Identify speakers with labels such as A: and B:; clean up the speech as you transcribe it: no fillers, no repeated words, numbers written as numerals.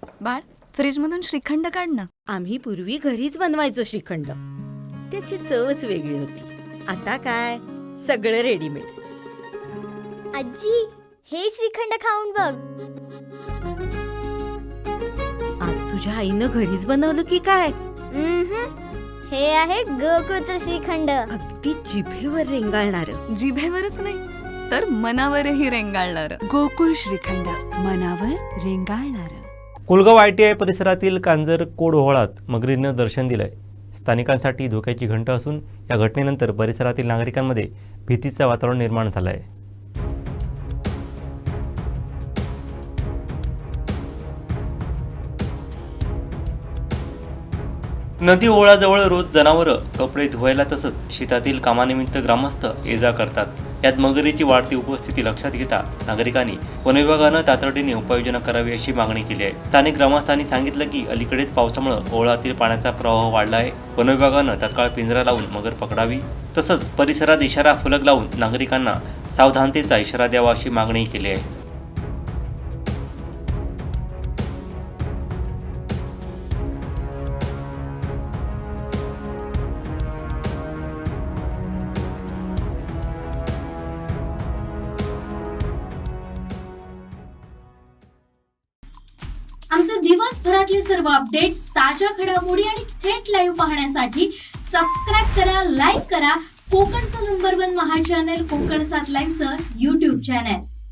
A: बाळ, फ्रीजमधून श्रीखंड काढ ना.
B: आम्ही पूर्वी घरीच बनवायचो श्रीखंड. त्याची चवच वेगळी होती. आता काय सगळं रेडीमेड.
C: आजी, हे श्रीखंड खाऊन बघ.
B: आज तुझ्या आईनं घरीच बनवलं की काय?
C: हे आहे गोकुळचं श्रीखंड.
B: अगदी जिभेवर रेंगाळणार.
A: जिभेवरच नाही तर मनावरही रेंगाळणार.
D: गोकुळ श्रीखंड, मनावर रेंगाळणार.
E: कुलगाव ITI परिसरातील कांजरकोड ओहळात मगरीनं दर्शन दिलंय. स्थानिकांसाठी धोक्याची घंट असून या घटनेनंतर परिसरातील नागरिकांमध्ये भीतीचं वातावरण निर्माण झालं आहे. नदी ओहळाजवळ रोज जनावरं कपडे धुवायला तसंच शेतातील कामानिमित्त ग्रामस्थ ये जा करतात. यात मगरीची वाढती उपस्थिती लक्षात घेता नागरिकांनी वनविभागानं तातडीने उपाययोजना करावी अशी मागणी केली आहे. स्थानिक ग्रामस्थांनी सांगितलं की अलीकडेच पावसामुळे ओहळातील पाण्याचा प्रवाह वाढला आहे. वनविभागानं तात्काळ पिंजरा लावून मगर पकडावी तसंच परिसरात इशारा फलक लावून नागरिकांना सावधानतेचा इशारा द्यावा अशी मागणी केली आहे.
F: आमचे दिवसभरातले सर्व अपडेट्स, ताज्या घडामोडी आणि थेट लाईव्ह पाहण्यासाठी सबस्क्राईब करा, लाईक करा कोकणचं नंबर 1 महा चॅनल कोकण 7 लाईव्हचं YouTube चॅनल.